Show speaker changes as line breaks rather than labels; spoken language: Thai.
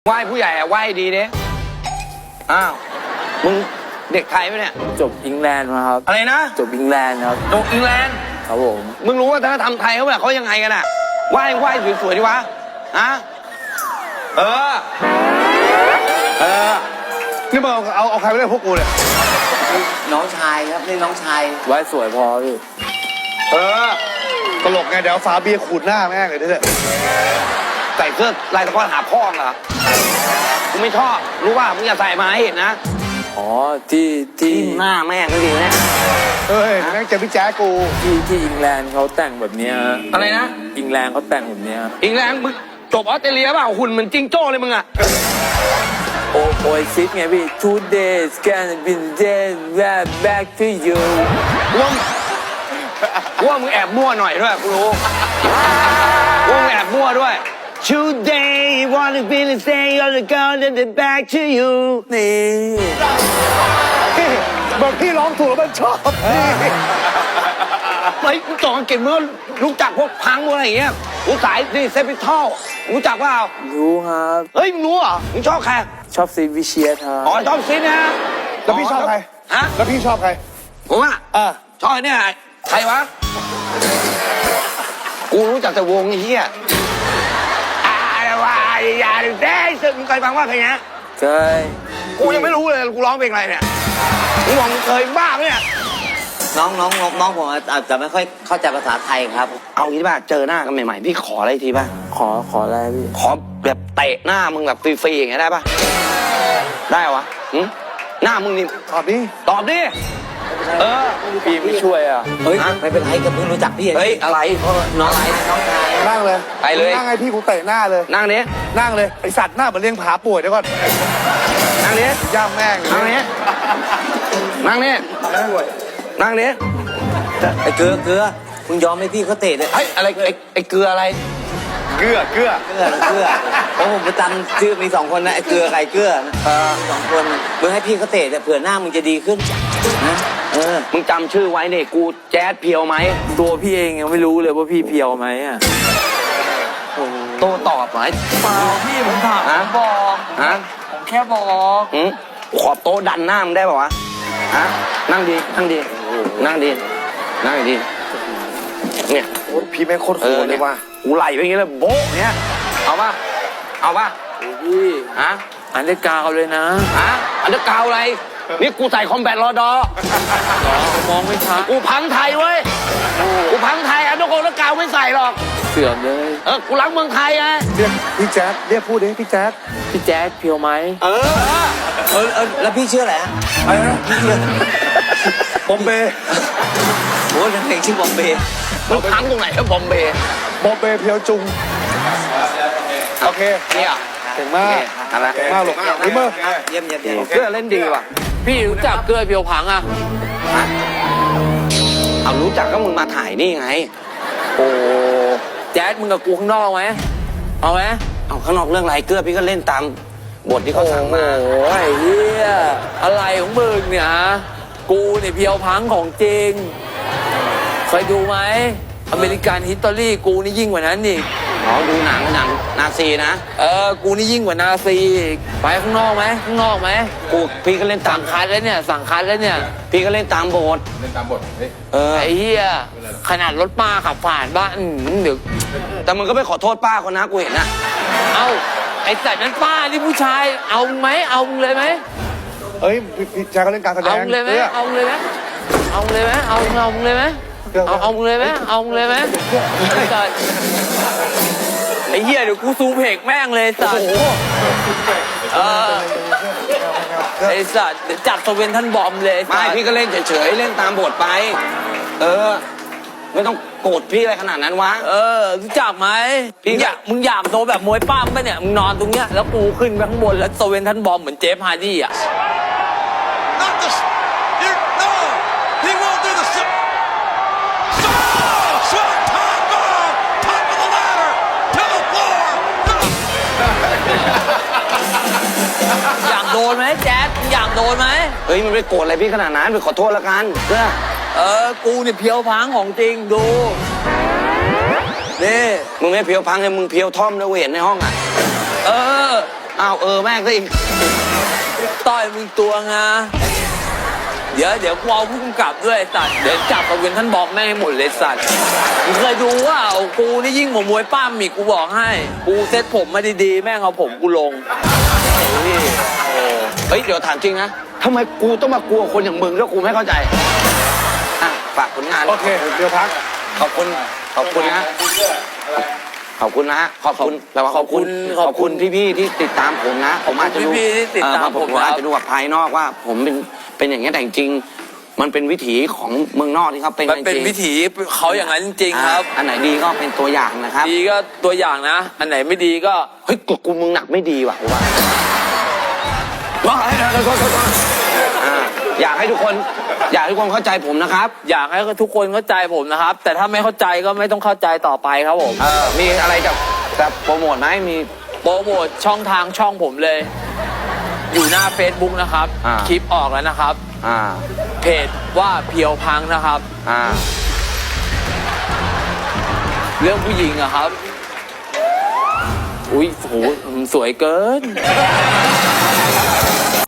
ไหว้ผู้ใหญ่อะไหว้ดีเด้อ้าวมึงเด็กไทยไหมเนี่ย
จบอังกฤษมาครับ
อะไรนะ
จบอังกฤษครับ
จบอังกฤษ
ครับผม
มึงรู้ว่าวัฒนธรรมไทยเขาแบบเขายังไงกันอะไหว้สวยๆดีวะฮะเออ
นี่มึงเอาใครไปเล่นพวกกูเนี่ย
น้องชายครับนี่น้องชายไหว้สวยพอพี่
ตลกไงเดี๋ยวฝาเบียร์ขูดหน้าแม่งเลยเถอะ
ใส่เสื้อลายตะกอนหาพ่อเหรอกูไม่ชอบรู้ว่ามึงอย่าใส่มาให้เห็นนะ
อ๋อที่
หน้าแม่งก็ดีนะ
เฮ้ยแม่งเจอพี่แจ๊กู
ที่อังกฤษเขาแต่งแบบเนี้ย
อะไรนะ
อังกฤษเขาแต่งแบบเนี้ย
อังกฤษมึงจบออสเตรเลียเปล่าหุ่นเหมือนจิงโจ้เลยมึงอะ
โอ้ยซิดไงพี่ Today is gonna be the day right back to you
ว่ามึงแอบมั่วหน่อยด้วยกูรู้ว่ามึงแอบมั่วด้วย Today wanna be the same on the girl that the back to you
นี่
แบบพี่ร้องถูกแล้วมันชอบ
เฮ้ยกูจองอังกฤษมึงรู้จักพวกพังพวกอะไรอย่างเงี้ยกูสายนี่เซฟิทอลรู้จักเปล่า
รู้ครับ
เฮ้ยมึงรู้เหรอมึงชอบใคร
ชอบซีวิเชียครับ
อ๋อชอบซินะ
แล้วพี่ชอบใคร
ฮะ
แล้วพี่ชอบใคร
ผมอ่ะชอบเนี่ยใครวะกูรู้จักแต่วงเฮียอย่าได้สึกมึงเคยฟังว่าเพลงนี้
เคย
กูยังไม่รู้เลยกูร้องเพลงอะไรเนี่ยมึงบอกมึงเคยบ้าไหมเนี่ย
น้องผมอาจจะไม่ค่อยเข้าใจภาษาไทยครับ
เอางี้ป่ะเจอหน้ากันใหม่ๆพี่ขออะไรทีป่ะ
ขออะไรพี่
ขอแบบเตะหน้ามึงแบบฟรีๆอย่างเงี้ยได้ป่ะได้วะหน้ามึงนี่
ตอบดิ
พี่ไม่ช่วยอ่ะ
เฮ้ยไม่เป็นไรก็เพิ่งรู้จักพี่
เฮ้ยอะไร
น้องอะไรน้องชาย
นั่งเลย
ไปเลย
นั่งไงพี่กูเตะหน้าเลย
นั่งนี้
นั่งเลยไอสัตว์หน้าเหมือนเลี้ยงผาป่วยเดี๋ยวก่อน
นั่งนี้
ย่ามแม่ง
นั่งนี้นั่งนี้นั่งนี้
ไอ้เกลือมึงยอมให้พี่เขาเตะเลย
เฮ้ยอะไรไอ้เกลืออะไร
เกลือ
เพราะผมประจำชื่อมี2 คนนะไอ้เกลือไก่เกลือ2 คนมึงให้พี่เขาเตะแต่เผื่อหน้ามึงจะดีขึ้นนะ
มึงจำชื่อไว้เนี่ยกูแจ๊ดเพียวไหม
ตัวพี่เองยังไม่รู้เลยว่าพี่เพียวไหมอ่ะ
โตตอบไหม
เปล่าพี่ผมถามบอกผมแค่บอก
ขอบโต๊ะดันหน้ามึงได้ป่าวะนั่งดีเนี่ย
พี่แม่งโคตรโหดเลยว่ะ
กูไหลไปอย่างเงี้ยเลยโบ๊ะเนี่ยเอาป่ะ
พี่อันเดอร์กาวเลยนะ
อันเดอร์กาวอะไรนี่กูใส่คอมแบทรอดอ
มองไม่ชัด
กูพังไทยเว้ยกูพังไทยอันเดอร์กาวไม่ใส่หรอก
เสื่อมเลย
กูรักเมืองไทยไง
เรียกพี่แจ๊ดเรียกพูดดิพี่แจ๊ด
เพียวไหม
แล้วพี่ชื่ออะไร
อะไรนะพี่ชื่อบอมเบย์
โอ้ยเพลงชื่อบอมเบย์
มึงพังตรงไหนครับบอมเบย์
เพียวจุงโอเค
เนี่ย
เก่งมาก
อะไร
มากหรอกนี่มึง
เยี่ยม
เกลือเล่นดีว่ะ
พี่รู้จักเกลือเพียวพังอ่ะ
เอารู้จักก็มึงมาถ่ายนี่ไง
โอ้แจ๊ดมึงกับกูข้างนอกไหมเอาไหม
เอาข้างนอกเรื่องอะไรเกลือพี่ก็เล่นตามบทที่เขาสั่งมา
โอ้ยเฮียอะไรของมึงเนี่ยกูเนี่ยเพียวพังของจริงเคยดูไหมอเมริกันฮิสตอรี่กูนี่ยิ่งกว่านั้นอีก
ดูหนังนาซีนะ
กูนี่ยิ่งกว่านาซีไปข้างนอกไหม
พี่ก็เล่นตาม
สั่งคัดแล้วเนี่ย
พี่ก็เล่นตามบท
ไอ้เหี้ยขนาดรถป้าขับผ่านบ้านเดี๋ยว
แต่มึงก็ไปขอโทษป้าคนนะกูเห็นนะ
ไอ้สัตว์นั้นป้านี่ผู้ชายเอาไหมเอาเลยไหม
เอ้ยพี่แจ๊ดก็เล่นการแสดง
เอาเลยไหมเอาเลยไหมเอาเลยไหมไอ้เหี้ยเดี๋ยวกูซูเพกแม่งเลยสัตว์ไอ้สัตว์จับสเวนท่านบอมเลย
ไม่พี่ก็เล่นเฉยๆเล่นตามบทไปไม่ต้องโกรธพี่อะไรขนาดนั้นวะ
รู้จักไหมมึงอยากโดนแบบมวยปั้มป่ะเนี่ยมึงนอนตรงเนี้ยแล้วกูขึ้นไปข้างบนแล้วสเวนท่านบอมเหมือนเจฟฮาร์ดี้อ่ะอยากโดนไหมแจ๊ดอยากโดนไหม
เฮ้ยมันไปโกรธอะไรพี่ขนาดนั้นไปขอโทษละกัน
กูเนี่ยเพียวพังของจริงดูนี่
มึงไม่เพียวพังเลยมึงเพียวท่อมนะเห็นในห้องอ่ะอ้าวแม่งซะอีก
ต้อยมึงตัวงาเดี๋ยวกูเอาผู้กำกับด้วยไอ้สัตว์เดี๋ยวจับกับเวนท่านบอกแม่งให้หมดเลยสัตว์มึงเคยดูว่ากูนี่ยิ่งหมอมวยป้ามอีกกูบอกให้กูเซ็ตผมมาดีๆแม่งเอาผมกูลงนี่
เฮ้ยเดี๋ยวถามจริงนะทำไมกูต้องมากลัวคนอย่างมึงแล้วกูไม่เข้าใจอ่ะฝากผลงาน
โอเคเดี๋ยวพัก
ขอบคุณนะขอบคุณนะฮะขอบคุณแปลว่าขอบคุณพี่ๆที่ติดตามผมนะผมอาจจะดู
พี่ๆที่ติดตามผม
อาจจะดูแบบภายนอกว่า ผมเป็นอย่างนี้แต่จริงๆมันเป็นวิถีของเมืองนอกที่เขาเป็น
มันเป็นวิถีเขาอย่างนั้นจริงๆครับ
อันไหนดีก็เป็นตัวอย่างนะครับ
ดีก็ตัวอย่างนะ อันไหนไม่ดีก็
เฮ้ยกูมึงหนักไม่ดีว่ะกูว่าอยากให้ทุกคนเข้าใจผมนะครับ
อยากให้ทุกคนเข้าใจผมนะครับ แต่ถ้าไม่เข้าใจก็ไม่ต้องเข้าใจต่อไปครับผม
มีอะไรจะโปรโมทไหมมี
โปรโมทช่องทางช่องผมเลย อยู่หน้า Facebook นะครับ คลิปออกแล้วนะครับ เพจว่าเพียวพังนะครับ เรื่องผู้หญิงอะครับ อุ้ยโหสวยเกิน